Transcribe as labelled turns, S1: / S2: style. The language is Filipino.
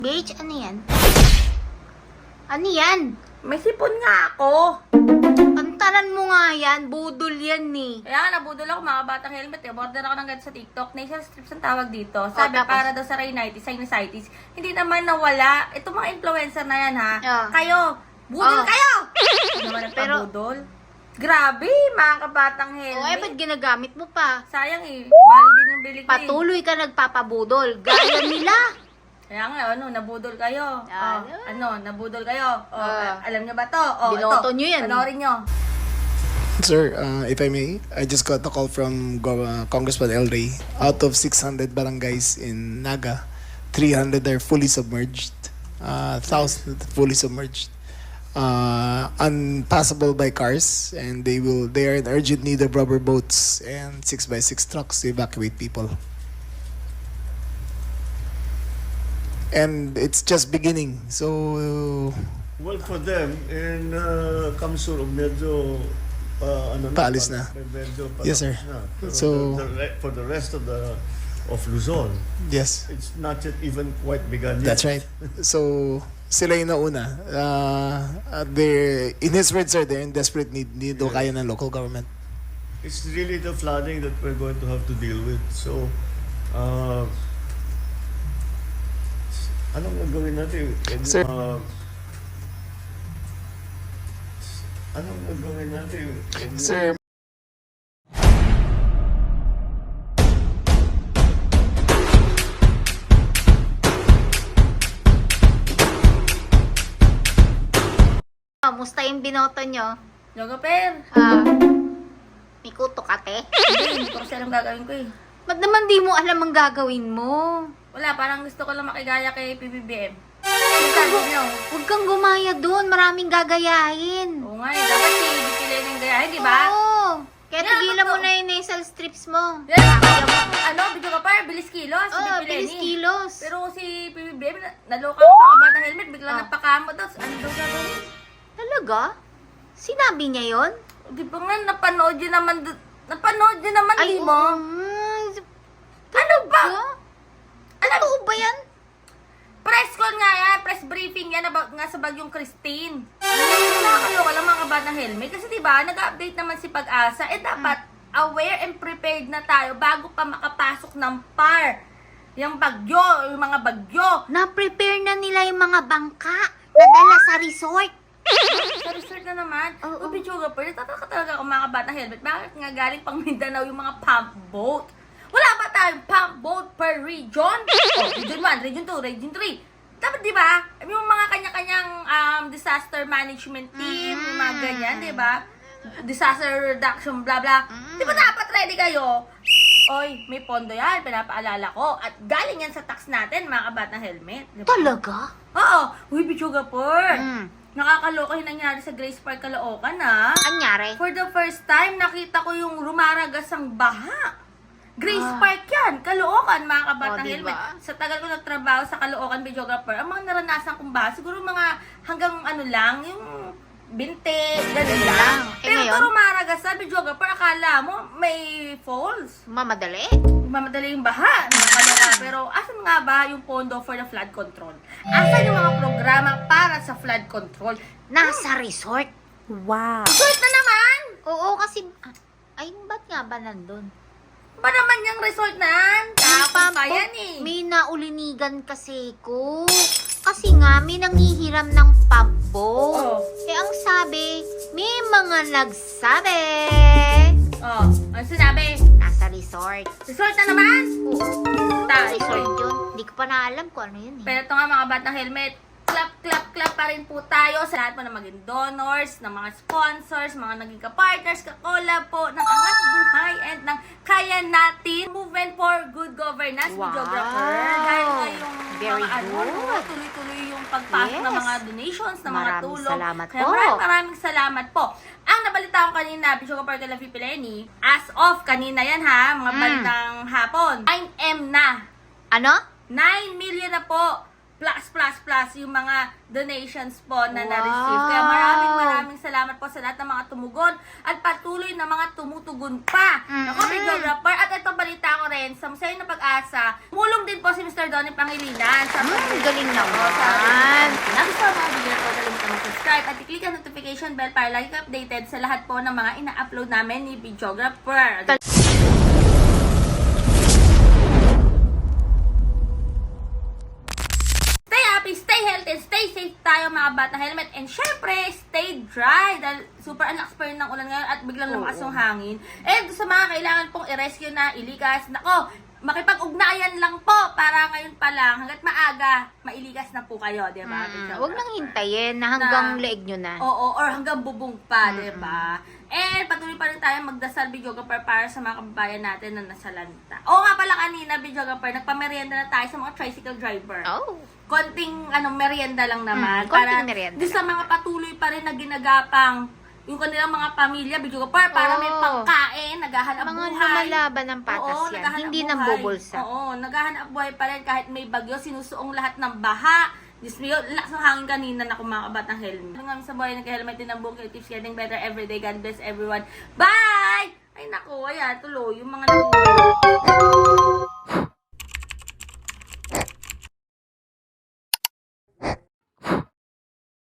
S1: Beach, ano yan? Ano yan?
S2: May sipon nga ako.
S1: Pantalan mo nga yan. Budol yan eh.
S2: Kaya nga, nabudol ako mga batang helmet. Order ako ng ganito sa TikTok. Nasal strips ang tawag dito. Sabi,
S1: tapos?
S2: para daw sa rhinitis, sinusitis. Hindi naman nawala. Ito mga influencer na yan, ha? Kayo, budol kayo! Ano naman nagpabudol? Grabe, mga kabatang helmet.
S1: ba't ginagamit mo pa?
S2: Sayang eh. Mahal din yung bili ko eh.
S1: Patuloy ka nagpapabudol. Gaya nila.
S2: Kaya nga, nabudol kayo. Nabudol kayo. Alam nyo ba to?
S1: Binoto
S2: ito.
S1: nyo yan.
S2: Panoorin nyo.
S3: Sir, if I may, I just got a call from Congressman El Rey. Out of 600 barangays in Naga, 300 are fully submerged. 1,000 fully submerged. Unpassable by cars, and they are in urgent need of rubber boats and 6x6 trucks to evacuate people. And it's just beginning. So,
S4: Well, for them, in Kamsur, medyo,
S3: Paalis na.
S4: Medyo
S3: Yes, sir.
S4: na. Pero
S3: So-
S4: for the rest of Luzon,
S3: yes,
S4: it's not yet even quite begun yet.
S3: that's right. So, sila yung nauna. In his words, sir, they're in desperate need. Hindi daw kaya ng local government.
S4: It's really the flooding that we're going to have to deal with. So, anong gagawin natin?
S3: Sir.
S4: Anong gagawin natin?
S3: Sir,
S1: Kamusta yung binoto nyo?
S2: Jogoper.
S1: May kuto ka, te?
S2: Hindi ko kasi alam gagawin ko eh.
S1: Ba't naman di mo alam ang gagawin mo?
S2: Wala, parang gusto ko lang makigaya kay PBBM. Yung sabi nyo.
S1: Huwag kang gumaya doon. Maraming gagayahin.
S2: Oo nga eh, dapat si Bikilin yung gayahin, di ba?
S1: Oo. Kaya
S2: Yeah,
S1: tigilan mo
S2: totoo.
S1: na yung nasal strips mo.
S2: Yan, video ka pa, bilis kilos, si
S1: Oo,
S2: Bikilin
S1: bilis
S2: eh.
S1: kilos.
S2: Pero si PBBM, naloka ko mga bata helmet, bigla nagpakamot daw. Ano daw gagawin?
S1: Talaga? Sinabi niya yon?
S2: Di ba nga, napanood yun naman, di mo? Ano ba?
S1: Totoo ba yan?
S2: Press con nga yan, press briefing yan about nga sa bagyong Christine. Nakakaloka lang mga batang helmet. Kasi diba, nag-update naman si Pag-asa. Dapat aware and prepared na tayo bago pa makapasok ng PAR. Yung bagyo, yung mga bagyo.
S1: Na-prepare na nila yung mga bangka na dala sa resort.
S2: Sa resort na naman.
S1: Oo.
S2: Bichuga pa, natatakot talaga ako mga batang helmet. Bakit nga galing pang Mindanao yung mga pump boat? Wala ba tayong pump boat per region? Region 1, Region 2, Region 3. Dapat di ba? Yung mga kanya-kanyang disaster management team, yung mga ganyan, di ba? Disaster reduction, blah blah. Di ba dapat ready kayo? Oy, may pondo yan, pinapaalala ko. At galing yan sa tax natin, mga kabatang helmet. Di ba?
S1: Talaga?
S2: Oo. Uy, Bichuga por.
S1: Mm.
S2: Nakakaloka yung nangyari sa Grace Park, Caloocan, ha?
S1: Anyari?
S2: For the first time, nakita ko yung rumaragas ang baha. Grace Park yan, Caloocan, mga kabatang
S1: diba?
S2: helmet. Sa tagal ko nagtrabaho sa Caloocan videographer, ang mga naranasan kong baha, siguro mga hanggang ano lang, yung 20, ganun lang. Pero
S1: ngayon?
S2: ito rumaragas sa videographer, akala mo may falls.
S1: Mamadali?
S2: Mamadali yung baha. Nakakaloka. Pero asan nga ba yung pondo for the flood control? Asan yung mga programa para sa flood control?
S1: Nasa resort.
S2: Resort na naman!
S1: Oo, kasi... Ay, ba't nga ba nandun?
S2: Ba naman yung resort na yan? Tapos pa yan eh.
S1: May naulinigan kasi ko. Kasi nga, may nangihiram ng pambo.
S2: Oh.
S1: Eh, ang sabi, may mga nagsabi.
S2: Oh, ano sinabi?
S1: Nasa resort.
S2: Resort na naman?
S1: Oo.
S2: Tayo.
S1: Resort yun. Hindi ko pa naalam kung ano yun eh.
S2: Pero ito nga mga batang helmet, clap pa rin po tayo sa lahat po na maging donors, ng mga sponsors, mga naging ka-partners, ka-collab po, ng Angat Buhay and ng Kaya Natin Movement for Good Governance,
S1: Wow.
S2: videographer. Dahil nga yung
S1: Very
S2: mga
S1: good.
S2: tuloy-tuloy yung pagpasok ng
S1: Yes.
S2: mga donations, ng mga
S1: Maraming
S2: tulong.
S1: salamat
S2: Kaya
S1: po.
S2: maraming salamat po. Ang nabalita ko kanina, videographer Kala Pileni, as of kanina yan ha, mga bandang hapon, 9M na.
S1: Ano?
S2: 9 million na po. Plus plus yung mga donations po na
S1: Wow.
S2: na-receive. Kaya maraming salamat po sa lahat ng mga tumugon at patuloy na mga tumutugon pa. Ako, videographer. At ito, balita ko rin, sa Museo ng Pag-asa, mulong din po si Mr. Donnie Pangilinan. Sa
S1: Galing naman.
S2: Gusto mga video ko, kalimutan mag-subscribe at i-click ang notification bell para lagi ka updated sa lahat po ng mga ina-upload namin ni videographer. Stay happy, stay healthy, stay safe tayo mga bata helmet. And syempre, stay dry. Dahil super lakas pa rin ng ulan ngayon at biglang lumakas yung hangin. And sa mga kailangan pong i-rescue na, ilikas, nako, makipag-ugnayan lang po para ngayon pa lang, hanggat maaga, mailigas na po kayo, di ba?
S1: Huwag nang hintayin na hanggang leeg nyo na.
S2: Oo, or hanggang bubong pa, di ba? And patuloy pa rin tayo magdasal, videographer, para sa mga kababayan natin na nasa lanta. Oo nga pala kanina, videographer, nagpamerienda na tayo sa mga tricycle driver.
S1: Oh.
S2: Konting merienda lang naman.
S1: konting merienda
S2: di sa mga patuloy pa rin na ginagapang yung kanilang mga pamilya, videographer, para may pangkain, naghahanap
S1: Mga
S2: buhay.
S1: lumalaban ng patas
S2: Oo,
S1: yan.
S2: naghahanap
S1: Hindi
S2: buhay.
S1: nang bubulsa.
S2: Oo, naghahanap buhay pa rin kahit may bagyo, sinusuong lahat ng baha. Diyos mo yun, lakas ng hangin kanina na kumakabat ng helmet. Hanggang sa buhay, nagka-helmet din ang buong tips, getting better every day. God bless everyone. Bye! Ay naku, ayan, tuloy, yung mga